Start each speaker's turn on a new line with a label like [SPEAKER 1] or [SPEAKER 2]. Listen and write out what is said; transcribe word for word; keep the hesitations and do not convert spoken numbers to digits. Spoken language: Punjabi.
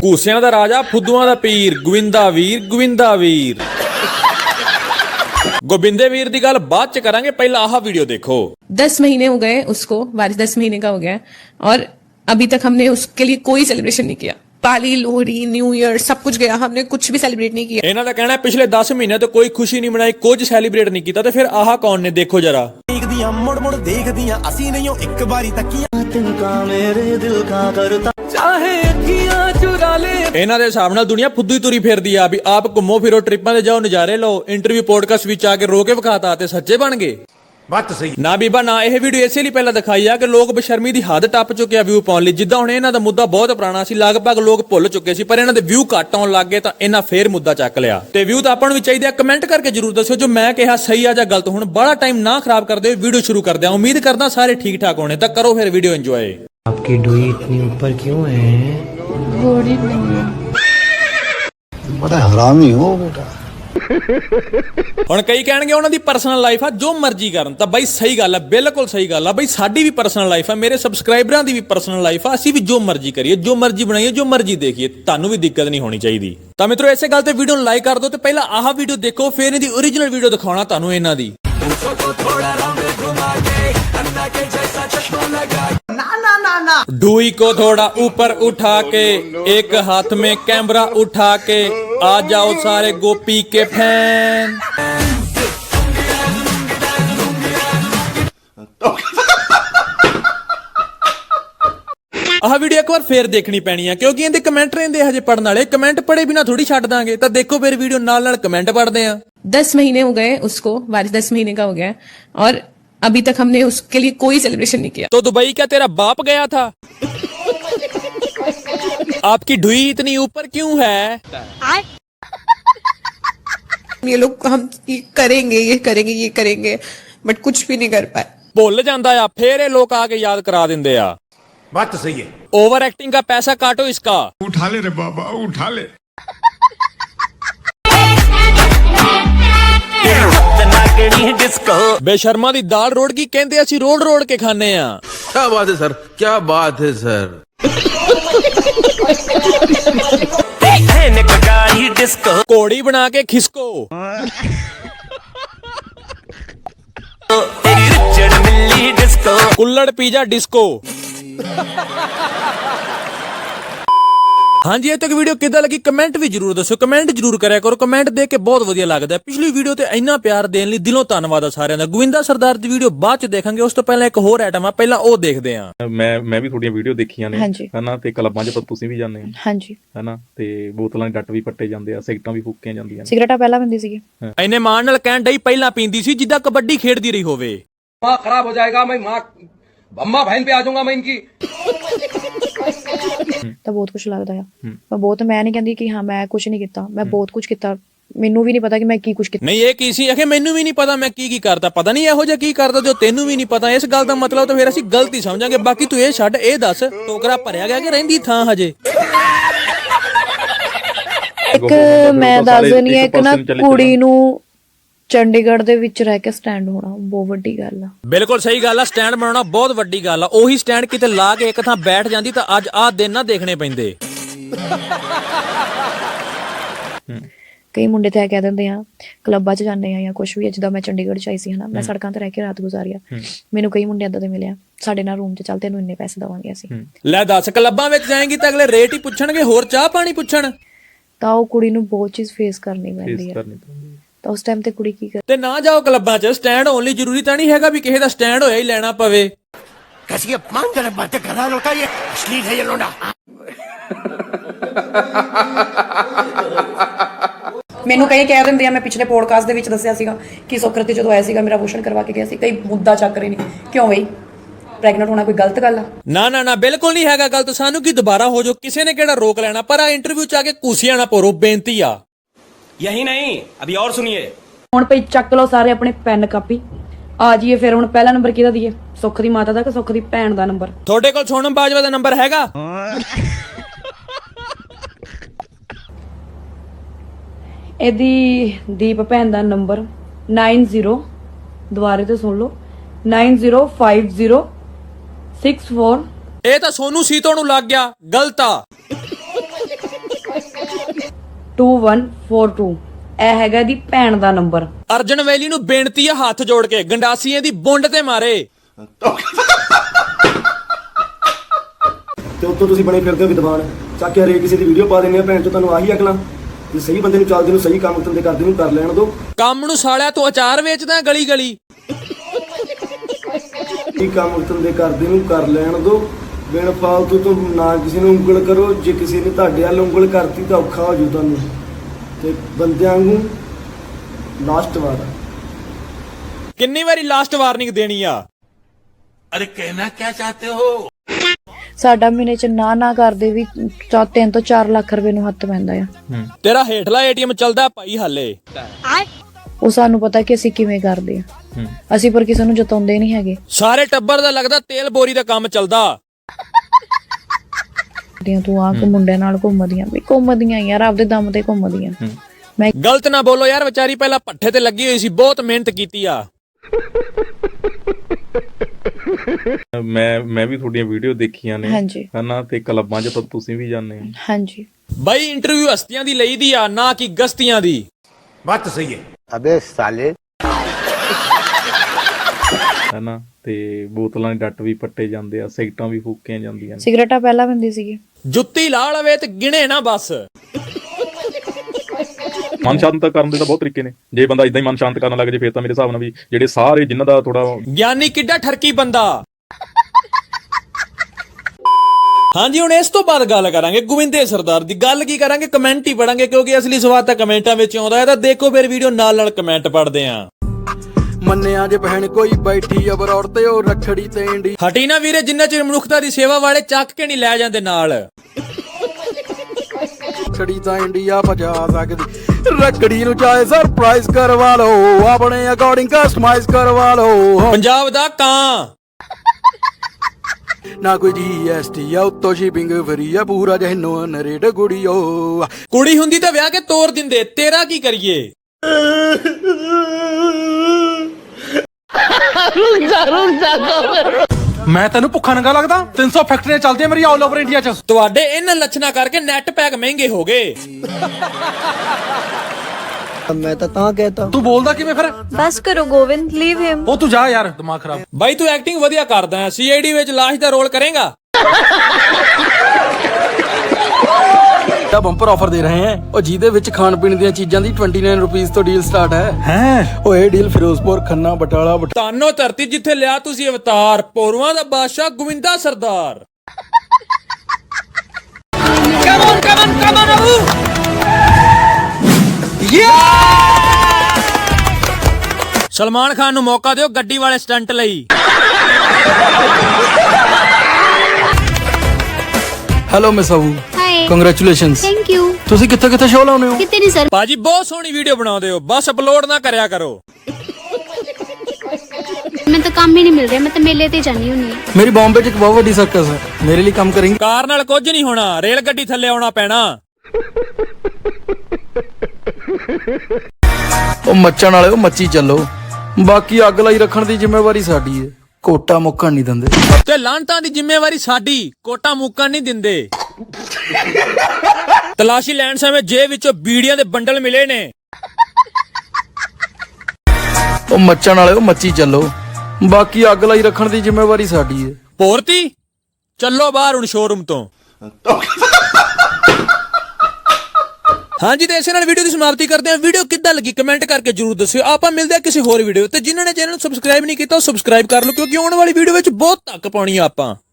[SPEAKER 1] ਘੂਸਿਆਂ ਦਾ ਰਾਜਾ, ਫੁੱਦੂਆਂ ਦਾ ਪੀਰ, ਗੋਵਿੰਦਾ ਵੀਰ, ਗੋਵਿੰਦਾ ਵੀਰ। गोविंदे वीर दी गल बाद च करांगे, पहला आह वीडियो देखो।
[SPEAKER 2] दस महीने हो गए उसको, वारिस दस महीने का हो गया और अभी तक हमने उसके लिए कोई सेलिब्रेशन नहीं किया। पाली, लोहड़ी, न्यू ईयर सब कुछ गया, हमने कुछ भी सेलिब्रेट नहीं किया।
[SPEAKER 1] इन्हां दा कहना है पिछले दस महीने तो कोई खुशी नहीं मनाई, कुछ सेलिब्रेट नहीं किया। तो फिर आह कौन ने, देखो जरा।
[SPEAKER 3] देखदियां मुड़ मुड़ देखदियां असी नहीं हो एक बारी तकियां तिनका मेरे दिल का करता चाहे अखियां चुरा ले।
[SPEAKER 1] ਇਹਨਾਂ ਦੇ ਹਿਸਾਬ ਨਾਲ ਦੁਨੀਆ ਫੁੱਦੂ ਹੀ ਤੁਰੀ ਫਿਰਦੀ ਆ ਵੀ ਆਪ ਘੁੰਮੋ ਫਿਰੋ, ਟ੍ਰਿਪਾਂ ਤੇ ਜਾਓ, ਨਜ਼ਾਰੇ ਲਓ, ਇੰਟਰਵਿਊ ਪੋਡਕਾਸਟ ਵਿੱਚ ਆ ਕੇ ਰੋ ਕੇ ਵਿਖਾਤਾ ਤੇ ਸੱਚੇ ਬਣ ਗਏ।
[SPEAKER 3] ਬਾਤ ਸਹੀ
[SPEAKER 1] ਨਾ ਬੀਬਾ ਨਾ, ਇਹ ਵੀਡੀਓ ਇਸੇ ਲਈ ਪਹਿਲਾਂ ਦਿਖਾਈ ਆ ਕਿ ਲੋਕ ਬਸ਼ਰਮੀ ਦੀ ਹੱਦ ਟੱਪ ਚੁੱਕੇ ਆ ਵਿਊ ਪਾਉਣ ਲਈ। ਜਿੱਦਾਂ ਹੁਣ ਇਹਨਾਂ ਦਾ ਮੁੱਦਾ ਬਹੁਤ ਪੁਰਾਣਾ ਸੀ, ਲਗਭਗ ਲੋਕ ਭੁੱਲ ਚੁੱਕੇ ਸੀ, ਪਰ ਇਹਨਾਂ ਦੇ ਵਿਊ ਘੱਟ ਆਉਣ ਲੱਗ ਗਏ ਤਾਂ ਇਹਨਾਂ ਫੇਰ ਮੁੱਦਾ ਚੱਕ ਲਿਆ। ਤੇ ਵਿਊ ਤਾਂ ਆਪਾਂ ਨੂੰ ਵੀ ਚਾਹੀਦੇ ਆ, ਕਮੈਂਟ ਕਰਕੇ ਜਰੂਰ ਦੱਸਿਓ ਜੋ ਮੈਂ ਕਿਹਾ ਸਹੀ ਆ ਜਾਂ ਗਲਤ। ਹੁਣ ਬੜਾ ਟਾਈਮ ਨਾ ਖਰਾਬ ਕਰਦੇ ਹੋਏ ਵੀਡੀਓ ਸ਼ੁਰੂ ਕਰਦੇ ਆ। ਉਮੀਦ ਕਰਦਾ ਸਾਰੇ ਠੀਕ ਠਾਕ ਹੋਣੇ, ਤਾਂ ਕਰੋ ਫਿਰ ਵੀਡੀਓ ਇੰਜੋਏ।
[SPEAKER 4] आपकी डोई इतनी ऊपर क्यों है?
[SPEAKER 2] घोड़ी नहीं है।
[SPEAKER 5] बड़ा हरामी हो बेटा।
[SPEAKER 1] ਹੁਣ ਕਈ ਕਹਿਣਗੇ ਉਹਨਾਂ ਦੀ ਪਰਸਨਲ ਲਾਈਫ ਆ, ਜੋ ਮਰਜ਼ੀ ਕਰਨ। ਤਾਂ ਬਾਈ ਸਹੀ ਗੱਲ ਆ, ਬਿਲਕੁਲ ਸਹੀ ਗੱਲ ਆ ਬਾਈ। ਸਾਡੀ ਵੀ ਪਰਸਨਲ ਲਾਈਫ ਆ, ਮੇਰੇ ਸਬਸਕ੍ਰਾਈਬਰਾਂ ਦੀ ਵੀ ਪਰਸਨਲ ਲਾਈਫ ਆ। ਅਸੀਂ ਵੀ ਜੋ ਮਰਜ਼ੀ ਕਰੀਏ, ਜੋ ਮਰਜ਼ੀ ਬਣਾਈਏ, ਜੋ ਮਰਜ਼ੀ ਦੇਖੀਏ, ਤੁਹਾਨੂੰ ਵੀ ਦਿੱਕਤ ਨਹੀਂ ਹੋਣੀ ਚਾਹੀਦੀ। ਤਾਂ ਮਿੱਤਰੋ ਇਸੇ ਗੱਲ ਤੇ ਵੀਡੀਓ ਨੂੰ ਲਾਈਕ ਕਰ ਦਿਓ ਤੇ ਪਹਿਲਾਂ ਆਹ ਵੀਡੀਓ ਦੇਖੋ, ਫਿਰ ਇਹਦੀ ਓਰੀਜਨਲ ਵੀਡੀਓ ਦਿਖਾਉਣਾ ਤੁਹਾਨੂੰ ਇਹਨਾਂ ਦੀ। डुई को थोड़ा ऊपर उठा के, एक हाथ में कैमरा उठा के, आ जाओ सारे गोपी के फैन। आह वीडियो एक बार फिर देखनी पैनी है क्योंकि इनके कमेंट रहंदे हजे पढ़ने वाले। कमेंट पढ़े बिना थोड़ी छड्ड दांगे। तो देखो फिर वीडियो नाल नाल कमेंट पढ़दे आ।
[SPEAKER 2] दस महीने हो गए उसको, वारिस दस महीने का हो गया और अभी तक हमने उसके लिए कोई सेलिब्रेशन नहीं किया।
[SPEAKER 1] तो दुबई क्या तेरा बाप गया था? आपकी ढुई इतनी ऊपर क्यों है?
[SPEAKER 2] ये लोग हम ये करेंगे, ये करेंगे, ये करेंगे, बट कुछ भी नहीं कर पाए।
[SPEAKER 1] भुल जांदा आ, फिर ये लोग आके याद करा दिंदे आ।
[SPEAKER 3] बात तो सही है।
[SPEAKER 1] ओवर एक्टिंग का पैसा काटो इसका।
[SPEAKER 3] उठा ले रे बाबा, उठा ले।
[SPEAKER 1] बेशर्मा दी दाल रोड की कहंदे असी रोड रोड के खाने आ।
[SPEAKER 6] क्या बात है सर, क्या बात है सर।
[SPEAKER 1] घोड़ी बना के खिसको। कुल्लड़ पिज्जा डिस्को। हाँ जी, ये तक वीडियो किदा लगी कमेंट भी जरूर दसो। कमेंट जरूर करया करो, कमेंट देख के बहुत वधिया लगदा है। पिछली वीडियो ते इन्ना प्यार देण लई दिलों धन्नवाद आ सारिਆਂ ਦਾ। गोविंदा सरदार ਦੀ ਵੀਡੀਓ ਬਾਅਦ ਚ ਦੇਖਾਂਗੇ, ਉਸ ਤੋਂ ਪਹਿਲਾਂ ਇੱਕ ਹੋਰ ਆਈਟਮ ਆ, ਪਹਿਲਾਂ ਉਹ ਦੇਖਦੇ ਆਂ।
[SPEAKER 7] ਮੈਂ ਮੈਂ ਵੀ ਤੁਹਾਡੀਆਂ ਵੀਡੀਓ ਦੇਖੀਆਂ ਨੇ
[SPEAKER 8] ਹਾਂਜੀ।
[SPEAKER 7] ਹਨਾ, ਤੇ ਕਲੱਬਾਂ 'ਚ ਤੁਸੀਂ ਵੀ ਜਾਂਦੇ ਹੋ
[SPEAKER 8] ਹਾਂਜੀ
[SPEAKER 7] ਹਨਾ, ਤੇ ਬੋਤਲਾਂ ਦੇ ਡੱਟ ਵੀ ਪੱਟੇ ਜਾਂਦੇ ਆ, ਸਿਗਰਟਾਂ ਵੀ ਫੂਕੀਆਂ ਜਾਂਦੀਆਂ ਨੇ।
[SPEAKER 8] ਸਿਗਰਟਾਂ ਪਹਿਲਾਂ ਪਿੰਦੀ ਸੀਗੀ।
[SPEAKER 1] ਇੰਨੇ ਮਾਣ ਨਾਲ ਕਹਿਣ ਡਈ ਪਹਿਲਾਂ ਪੀਂਦੀ ਸੀ ਜਿੱਦਾਂ ਕਬੱਡੀ ਖੇਡਦੀ ਰਹੀ ਹੋਵੇ।
[SPEAKER 9] माँ खराब हो जाएगा, मैं माँ अम्मा बहन पे आ जाऊंगा मैं इनकी।
[SPEAKER 8] ਤਾਂ ਬਹੁਤ ਕੁਝ ਲੱਗਦਾ ਆ। ਮੈਂ ਬਹੁਤ, ਮੈਂ ਨਹੀਂ ਕਹਿੰਦੀ ਕਿ ਹਾਂ ਮੈਂ ਕੁਝ ਨਹੀਂ ਕੀਤਾ, ਮੈਂ ਬਹੁਤ ਕੁਝ ਕੀਤਾ। ਮੈਨੂੰ ਵੀ ਨਹੀਂ ਪਤਾ ਕਿ ਮੈਂ ਕੀ ਕੁਝ ਕੀਤਾ।
[SPEAKER 1] ਨਹੀਂ ਇਹ ਕੀ ਸੀ, ਆਖੇ ਮੈਨੂੰ ਵੀ ਨਹੀਂ ਪਤਾ ਮੈਂ ਕੀ ਕੀ ਕਰਦਾ। ਪਤਾ ਨਹੀਂ ਇਹੋ ਜਿਹਾ ਕੀ ਕਰਦਾ ਜੋ ਤੈਨੂੰ ਵੀ ਨਹੀਂ ਪਤਾ। ਇਸ ਗੱਲ ਦਾ ਮਤਲਬ ਤਾਂ ਫਿਰ ਅਸੀਂ ਗਲਤੀ ਸਮਝਾਂਗੇ। ਬਾਕੀ ਤੂੰ ਇਹ ਛੱਡ, ਇਹ ਦੱਸ ਟੋਕਰਾ ਭਰਿਆ ਗਿਆ ਕਿ ਰਹਿੰਦੀ ਥਾਂ ਹਜੇ?
[SPEAKER 8] ਇੱਕ ਮੈਂ ਦੱਸ ਦਿੰਦੀ ਆ, ਇੱਕ ਨਾ ਕੁੜੀ ਨੂੰ ਚੰਡੀਗੜ੍ਹ ਦੇ ਵਿੱਚ ਰਹਿ ਕੇ ਸਟੈਂਡ ਹੋਣਾ ਬਹੁਤ ਵੱਡੀ ਗੱਲ ਆ।
[SPEAKER 1] ਬਿਲਕੁਲ ਸਹੀ ਗੱਲ ਆ, ਸਟੈਂਡ ਬਣਾਉਣਾ ਬਹੁਤ ਵੱਡੀ ਗੱਲ ਆ। ਉਹੀ ਸਟੈਂਡ ਕਿਤੇ ਲਾ ਕੇ ਇੱਕ ਥਾਂ ਬੈਠ ਜਾਂਦੀ ਤਾਂ ਅੱਜ ਆਹ ਦਿਨ ਨਾ ਦੇਖਣੇ ਪੈਂਦੇ।
[SPEAKER 8] ਕਈ ਮੁੰਡੇ ਤੇ ਕਹਿ ਦਿੰਦੇ ਆ ਕਲੱਬਾਂ 'ਚ ਜਾਂਦੇ ਆ ਜਾਂ ਕੁਛ ਵੀ। ਜਿੱਦਾਂ ਮੈਂ ਚੰਡੀਗੜ੍ਹ 'ਚ ਆਈ ਸੀ ਹਨਾ, ਮੈਂ ਸੜਕਾਂ ਤੇ ਰਹਿ ਕੇ ਰਾਤ ਗੁਜ਼ਾਰੀ ਆ। ਮੈਨੂੰ ਕਈ ਮੁੰਡੇ ਏਦਾਂ ਦੇ ਮਿਲਿਆ, ਸਾਡੇ ਨਾਲ ਰੂਮ 'ਚ ਚੱਲ ਤੈਨੂੰ ਇੰਨੇ ਪੈਸੇ ਦੇਵਾਂਗੇ ਅਸੀਂ।
[SPEAKER 1] ਲੈ ਦੱਸ, ਕਲੱਬਾਂ ਵਿੱਚ ਜਾਏਂਗੀ ਤਾਂ ਅਗਲੇ ਰੇਟ ਹੀ ਪੁੱਛਣਗੇ, ਹੋਰ ਚਾਹ ਪਾਣੀ ਪੁੱਛਣ।
[SPEAKER 8] ਤਾਂ ਉਹ ਕੁੜੀ ਨੂੰ ਬਹੁਤ ਚੀਜ਼ ਫੇਸ ਕਰਨੀ ਪੈਂਦੀ ਆ। ਤਾਂ ਉਸ ਟਾਈਮ ਤੇ ਕੁੜੀ ਕੀ ਕਰ
[SPEAKER 1] ਤੇ ਨਾ ਜਾਓ ਕਲੱਬਾਂ 'ਚ। ਸਟੈਂਡ ਹੋਣ ਲਈ ਜ਼ਰੂਰੀ ਤਾਂ ਨਹੀਂ ਹੈਗਾ ਵੀ ਕਿਸੇ ਦਾ ਸਟੈਂਡ ਹੋਇਆ ਹੀ ਲੈਣਾ ਪਵੇ।
[SPEAKER 3] कैसी अपमानजनक बातें कर रहा है लड़का, ये अश्लील है ये लोंडा।
[SPEAKER 10] ਮੈਨੂੰ ਕਈ ਕਹਿ ਦਿੰਦੇ ਆ, ਮੈਂ ਪਿਛਲੇ ਪੋਡਕਾਸਟ ਦੇ ਵਿੱਚ ਦੱਸਿਆ ਸੀਗਾ ਕਿ ਸੁਕਰਤੀ ਜਦੋਂ ਆਇਆ ਸੀਗਾ ਮੇਰਾ ਅਬੋਰਸ਼ਨ ਕਰਵਾ ਕੇ ਗਿਆ ਸੀ। ਕਈ ਮੁੱਦਾ ਚੱਕ ਰਹੇ ਨੇ, ਕਿਉਂ ਬਈ ਪ੍ਰੈਗਨੈਂਟ ਹੋਣਾ ਕੋਈ ਗਲਤ ਗੱਲ ਆ? ਨਾ
[SPEAKER 1] ਨਾ ਨਾ ਬਿਲਕੁਲ ਨਹੀਂ ਹੈਗਾ ਗਲਤ। ਸਾਨੂੰ ਕੀ ਦੁਬਾਰਾ ਹੋ ਜਾਓ, ਕਿਸੇ ਨੇ ਕਿਹੜਾ ਰੋਕ ਲੈਣਾ। ਪਰ ਆ ਇੰਟਰਵਿਊ 'ਚ ਆ ਕੇ ਕੁਸੀਆਂ ਨਾ ਪਰੋ, ਬੇਨਤੀ ਆ।
[SPEAKER 9] यही नहीं, अभी और सुनिए।
[SPEAKER 10] ਹੁਣ ਭਈ ਚੱਕ ਲਓ ਸਾਰੇ ਆਪਣੇ ਪੈਨ ਕਾਪੀ, ਆ ਜਾਈਏ ਫਿਰ। ਹੁਣ ਪਹਿਲਾ ਨੰਬਰ ਕਿਹਦਾ ਦਈਏ, ਸੁੱਖ ਦੀ ਮਾਤਾ ਦਾ ਕਿ ਸੁੱਖ ਦੀ ਭੈਣ ਦਾ ਨੰਬਰ?
[SPEAKER 1] ਤੁਹਾਡੇ ਕੋਲ ਸੋਨਮ ਬਾਜਵਾ ਦਾ ਨੰਬਰ ਹੈਗਾ?
[SPEAKER 10] ਇਹਦੀ ਦੀਪ ਭੈਣ ਦਾ ਨੰਬਰ ਨਾइन जीरो, ਦੁਬਾਰੇ ਤੇ ਸੁਣ ਲਓ, nine zero five zero six four.
[SPEAKER 1] ਇਹ ਤਾਂ ਸੋਨੂ ਸੀਤੋ ਨੂੰ ਲੱਗ ਗਿਆ, ਗਲਤ ਆ।
[SPEAKER 10] Two one four two. ਇਹ ਹੈਗਾ ਦੀ ਭੈਣ ਦਾ ਨੰਬਰ।
[SPEAKER 1] ਅਰਜਨ ਵੈਲੀ ਨੂੰ ਬੇਨਤੀ ਆ ਹੱਥ ਜੋੜ ਕੇ ਗੰਡਾਸੀਆਂ ਦੀ ਬੁੰਡ ਤੇ ਮਾਰੇ।
[SPEAKER 3] ਤੇ ਉੱਤੋਂ ਤੁਸੀਂ ਬਣੇ ਫਿਰਦੇ ਹੋ ਵਿਦਵਾਨ, ਚੱਕ ਕੇ ਹਰੇਕ ਕਿਸੇ ਦੀ ਵੀਡੀਓ ਪਾ ਦਿੰਦੇ ਆ। ਭੈਣ ਚੋ ਤੁਹਾਨੂੰ ਆਹੀ ਅਕਲਾਂ? ਤੇ ਸਹੀ ਬੰਦੇ ਨੂੰ ਚੱਲਦੇ ਨੂੰ ਸਹੀ ਕੰਮ ਧੰਦੇ ਕਰਦੇ ਨੂੰ ਕਰ ਲੈਣ ਦਿਓ।
[SPEAKER 1] ਕੰਮ ਨੂੰ ਸਾਲਿਆ ਤੂੰ ਅਚਾਰ ਵੇਚਦਾ ਗਲੀ ਗਲੀ।
[SPEAKER 3] ਕੀ ਕੰਮ ਧੰਦੇ ਕਰਦੇ ਨੂੰ ਕਰ ਲੈਣ ਦਿਓ। ਬਿਨ ਫਾਲਤੂ ਤੋਂ ਨਾ ਕਿਸੇ ਨੂੰ ਉਂਗਲ ਕਰੋ। ਜੇ ਕਿਸੇ ਨੇ ਤੁਹਾਡੇ ਵੱਲ ਉਂਗਲ ਕਰਤੀ ਤਾਂ ਔਖਾ ਹੋ ਜੂ ਤੁਹਾਨੂੰ। ਤੇ ਬੰਦਿਆਂ ਨੂੰ ਲਾਸਟ ਵਾਰ
[SPEAKER 1] ਕਿੰਨੀ ਵਾਰੀ ਲਾਸਟ ਵਾਰਨਿੰਗ ਦੇਣੀ ਆ?
[SPEAKER 6] अरे कहना क्या चाहते हो?
[SPEAKER 8] ਸਾਡਾ ਮਹੀਨੇ ਚ ਨਾ ਨਾ ਕਰਦੇ ਵੀ ਚਾ ਤਿੰਨ ਤੋਂ ਚਾਰ ਲੱਖ ਰੁਪਏ ਨੂੰ ਹੱਥ ਪੈਂਦਾ ਆ।
[SPEAKER 1] ਤੇਰਾ ਹੇਠਲਾ ਏਟੀਐਮ ਚੱਲਦਾ ਭਾਈ ਹਾਲੇ।
[SPEAKER 8] ਉਹ ਸਾਨੂੰ ਪਤਾ ਕਿ ਅਸੀਂ ਕਿਵੇਂ ਕਰਦੇ ਆ, ਅਸੀਂ ਪਰ ਕਿਸੇ ਨੂੰ ਜਤਾਉਂਦੇ ਨਹੀਂ ਹੈਗੇ।
[SPEAKER 1] ਸਾਰੇ ਟੱਬਰ ਦਾ ਲੱਗਦਾ ਤੇਲ ਬੋਰੀ ਦਾ ਕੰਮ ਚੱਲਦਾ।
[SPEAKER 8] ਤੂੰ ਆ ਕੇ ਮੁੰਡਿਆਂ ਨਾਲ ਘੁੰਮਦੀਆਂ ਵੀ ਘੁੰਮਦੀਆਂ ਯਾਰ, ਆਪਦੇ ਦਮ ਤੇ ਘੁੰਮਦੀਆਂ। ਮੈਂ
[SPEAKER 1] ਗਲਤ ਨਾ ਬੋਲੋ ਯਾਰ, ਵਿਚਾਰੀ ਪਹਿਲਾਂ ਪੱਠੇ ਤੇ ਲੱਗੀ ਹੋਈ ਸੀ, ਬਹੁਤ ਮਿਹਨਤ ਕੀਤੀ ਆ।
[SPEAKER 7] ਮੈਂ ਮੈਂ ਵੀ ਤੁਹਾਡੀਆਂ ਵੀਡੀਓ ਦੇਖੀਆਂ ਨੇ
[SPEAKER 8] ਹਾਂਜੀ।
[SPEAKER 7] ਹਨਾ, ਤੇ ਕਲੱਬਾਂ 'ਚ ਤਾਂ ਤੁਸੀਂ ਵੀ ਜਾਂਦੇ ਹੋ।
[SPEAKER 8] ਹਾਂਜੀ
[SPEAKER 1] ਬਾਈ ਇੰਟਰਵਿਊ ਹਸਤੀਆਂ ਦੀ ਲਈ ਦੀ ਆ, ਨਾ ਕਿ ਗਸਤੀਆਂ ਦੀ।
[SPEAKER 6] बात तो सही है।
[SPEAKER 5] अबे साले
[SPEAKER 7] ਹਨਾ, ਤੇ ਬੋਤਲਾਂ ਦੇ ਡੱਟ ਵੀ ਪੱਟੇ ਜਾਂਦੇ ਆ, ਸਿਗਰਟਾਂ ਵੀ ਫੂਕੀਆਂ ਜਾਂਦੀਆਂ ਨੇ।
[SPEAKER 8] ਸਿਗਰਟਾਂ ਪਹਿਲਾਂ ਪੈਂਦੀ ਸੀਗੀ।
[SPEAKER 1] ਜੁੱਤੀ ਲਾ ਲਵੇ ਤੇ ਗਿਣੇ ਨਾ ਬਸ।
[SPEAKER 7] ਮਨ ਸ਼ਾਂਤ ਕਰਨ ਦੇ ਤਾਂ ਬਹੁਤ ਤਰੀਕੇ ਨੇ। ਜੇ ਬੰਦਾ ਇਦਾਂ ਹੀ ਮਨ ਸ਼ਾਂਤ ਕਰਨ ਲੱਗ ਜੇ ਫਿਰ ਤਾਂ ਮੇਰੇ ਹਿਸਾਬ ਨਾਲ ਵੀ ਜਿਹੜੇ ਸਾਰੇ ਜਿਨ੍ਹਾਂ ਦਾ ਥੋੜਾ
[SPEAKER 1] ਗਿਆਨੀ ਕਿੱਡਾ ਠਰਕੀ ਬੰਦਾ। ਹਾਂਜੀ, ਹੁਣ ਇਸ ਤੋਂ ਬਾਅਦ ਗੱਲ ਕਰਾਂਗੇ ਗੋਵਿੰਦੇ ਸਰਦਾਰ ਦੀ। ਗੱਲ ਕੀ ਕਰਾਂਗੇ, ਕਮੈਂਟ ਹੀ ਪੜਾਂਗੇ, ਕਿਉਂਕਿ ਅਸਲੀ ਸਵਾਦ ਤਾਂ ਕਮੈਂਟਾਂ ਵਿੱਚ ਆਉਂਦਾ ਹੈ। ਤਾਂ ਦੇਖੋ ਫਿਰ ਵੀਡੀਓ, ਨਾਲ ਨਾਲ ਕਮੈਂਟ ਪੜਦੇ ਆਂ।
[SPEAKER 3] ਮੰਨਿਆ ਜੇ ਭੈਣ ਕੋਈ ਬੈਠੀ ਅਬਰੋੜ ਤੇ ਉਹ ਰੱਖੜੀ ਤੇ ਇੰਡੀ।
[SPEAKER 1] ਹਟੀ ਨਾ ਵੀਰੇ, ਜਿੰਨਾ ਚਿਰ ਮਨੁੱਖਤਾ ਦੀ ਸੇਵਾ ਵਾਲੇ ਚੱਕ ਕੇ ਨਹੀਂ ਲੈ ਜਾਂਦੇ ਨਾਲ।
[SPEAKER 3] ਛੜੀ ਤਾਂ ਇੰਡੀਆ ਭਜਾ ਸਕਦੀ। ਰੱਖੜੀ ਨੂੰ ਚਾਹੇ ਸਰਪ੍ਰਾਈਜ਼ ਕਰਵਾ ਲਓ, ਆਪਣੇ ਅਕੋਰਡਿੰਗ ਕਸਟਮਾਈਜ਼ ਕਰਵਾ ਲਓ।
[SPEAKER 1] ਪੰਜਾਬ ਦਾ ਕਾਂ
[SPEAKER 3] ਨਾ ਕੋਈ ਜੀਐਸਟੀ ਆ, ਉੱਤੋਂ ਸ਼ਿਪਿੰਗ ਫਰੀ ਆ, ਪੂਰਾ ਜੈਨੂਅਨ ਰੇਟ ਗੁੜੀਓ।
[SPEAKER 1] ਕੁੜੀ ਹੁੰਦੀ ਤਾਂ ਵਿਆਹ ਕੇ ਤੋਰ ਦਿੰਦੇ, ਤੇਰਾ ਕੀ ਕਰੀਏ।
[SPEAKER 9] ਮੈਂ ਤੈਨੂੰ ਭੁੱਖਾ ਨੰਗਾ ਲੱਗਦਾ? ਤਿੰਨ ਸੌ ਫੈਕਟਰੀਆਂ ਚੱਲਦੀਆਂ ਮੇਰੀ ਆਲ ਓਵਰ ਇੰਡੀਆ 'ਚ।
[SPEAKER 1] ਤੁਹਾਡੇ ਇਹਨਾਂ ਲੱਛਣਾ ਕਰਕੇ ਨੈਟ ਪੈਕ ਮਹਿੰਗੇ ਹੋ ਗਏ।
[SPEAKER 3] ਮੈਂ ਤਾਂ ਤਾਂ ਕਹਿਤਾ।
[SPEAKER 9] ਤੂੰ ਬੋਲਦਾ ਕਿਵੇਂ ਫਿਰ?
[SPEAKER 8] ਬਸ ਕਰੋ ਗੋਵਿੰਦ, ਲੀਵ ਹਿਮ।
[SPEAKER 9] ਉਹ ਤੂੰ ਜਾ ਯਾਰ, ਦਿਮਾਗ ਖਰਾਬ।
[SPEAKER 1] ਬਾਈ ਤੂੰ ਐਕਟਿੰਗ ਵਧੀਆ ਕਰਦਾ ਹੈ, ਸੀਆਈਡੀ ਵਿੱਚ ਲਾਸ਼ ਦਾ ਰੋਲ ਕਰੇਗਾ।
[SPEAKER 3] ਤਾਂ ਬੰਪਰ ਆਫਰ ਦੇ ਰਹੇ ਹਾਂ, ਉਹ ਜਿਹਦੇ ਵਿੱਚ ਖਾਣ ਪੀਣ ਦੀਆਂ ਚੀਜ਼ਾਂ ਦੀ उनतीस ਰੁਪਏ ਤੋਂ ਡੀਲ ਸਟਾਰਟ ਹੈ। ਹੈ ਉਹ ਇਹ ਡੀਲ ਫਿਰੋਜ਼ਪੁਰ, ਖੰਨਾ, ਬਟਾਲਾ।
[SPEAKER 1] ਤਾਨੋ ਧਰਤੀ ਜਿੱਥੇ ਲਿਆ ਤੁਸੀਂ ਅਵਤਾਰ, ਪੋਰਵਾਂ ਦਾ ਬਾਦਸ਼ਾਹ ਗੋਵਿੰਦਾ ਸਰਦਾਰ। Come on come on come on Abu ਯਾ। ਸਲਮਾਨ ਖਾਨ ਨੂੰ ਮੌਕਾ ਦਿਓ ਗੱਡੀ ਵਾਲੇ ਸਟੰਟ ਲਈ।
[SPEAKER 3] Hello miss Abu,
[SPEAKER 11] hi,
[SPEAKER 3] congratulations.
[SPEAKER 11] Thank you.
[SPEAKER 3] ਤੁਸੀਂ ਕਿੱਥੇ ਕਿੱਥੇ ਸ਼ੋਅ ਲਾਉਂਦੇ ਹੋ?
[SPEAKER 11] ਕਿਤੇ ਨਹੀਂ ਸਰ।
[SPEAKER 1] ਬਾਜੀ ਬਹੁਤ ਸੋਹਣੀ ਵੀਡੀਓ ਬਣਾਉਂਦੇ ਹੋ, ਬਸ ਅਪਲੋਡ ਨਾ ਕਰਿਆ ਕਰੋ।
[SPEAKER 11] ਮੈਂ ਤਾਂ ਕੰਮ ਹੀ ਨਹੀਂ ਮਿਲ ਰਿਹਾ, ਮੈਂ ਤਾਂ ਮੇਲੇ ਤੇ ਜਾਣੀ ਹੁੰਨੀ ਆ।
[SPEAKER 3] ਮੇਰੀ ਬੰਬੇ 'ਚ ਇੱਕ ਬਹੁਤ ਵੱਡੀ ਸਰਕਸ ਹੈ, ਮੇਰੇ ਲਈ ਕੰਮ ਕਰੇਂਗੇ?
[SPEAKER 1] ਕਾਰ ਨਾਲ ਕੁਝ ਨਹੀਂ ਹੋਣਾ, ਰੇਲ ਗੱਡੀ ਥੱਲੇ ਆਉਣਾ ਪੈਣਾ।
[SPEAKER 3] ਉਹ ਮੱਚਣ ਵਾਲੇ ਉਹ ਮੱਚੀ ਚੱਲੋ, ਬਾਕੀ ਅੱਗ ਲਾਈ ਰੱਖਣ ਦੀ ਜ਼ਿੰਮੇਵਾਰੀ ਸਾਡੀ ਹੈ। ਕੋਟਾ ਮੁੱਕਣ ਨਹੀਂ ਦਿੰਦੇ।
[SPEAKER 1] ਤੇ ਲਾਂਟਾਂ ਦੀ ਜ਼ਿੰਮੇਵਾਰੀ ਸਾਡੀ, ਕੋਟਾ ਮੁੱਕਣ ਨਹੀਂ ਦਿੰਦੇ। ਤਲਾਸ਼ੀ ਲੈਣ ਸਮੇਂ ਜੇਬ ਵਿੱਚੋਂ ਬੀੜੀਆਂ ਦੇ ਬੰਡਲ ਮਿਲੇ ਨੇ।
[SPEAKER 3] ਉਹ ਮੱਚਣ ਵਾਲੇ ਉਹ ਮੱਚੀ ਚੱਲੋ, ਬਾਕੀ ਅੱਗ ਲਾਈ ਰੱਖਣ ਦੀ ਜ਼ਿੰਮੇਵਾਰੀ ਸਾਡੀ ਹੈ।
[SPEAKER 1] ਪੋਰਤੀ ਚੱਲੋ ਬਾਹਰ ਹੁਣ ਸ਼ੋਰੂਮ ਤੋਂ। ਹਾਂਜੀ, ਤੇ ਇਸੇ ਨਾਲ ਵੀਡੀਓ ਦੀ ਸਮਾਪਤੀ ਕਰਦੇ ਹਾਂ। ਵੀਡੀਓ ਕਿੱਦਾਂ ਲੱਗੀ ਕਮੈਂਟ ਕਰਕੇ ਜਰੂਰ ਦੱਸਿਓ। ਆਪਾਂ ਮਿਲਦੇ ਹਾਂ ਕਿਸੇ ਹੋਰ ਵੀਡੀਓ ਤੇ। ਜਿਨ੍ਹਾਂ ਨੇ ਚੈਨਲ ਨੂੰ ਸਬਸਕ੍ਰਾਈਬ ਨਹੀਂ ਕੀਤਾ ਉਹ ਸਬਸਕ੍ਰਾਈਬ ਕਰ ਲਓ, ਕਿਉਂਕਿ ਆਉਣ ਵਾਲੀ ਵੀਡੀਓ ਵਿੱਚ ਬਹੁਤ ਧੱਕ ਪਾਉਣੀ ਆ ਆਪਾਂ।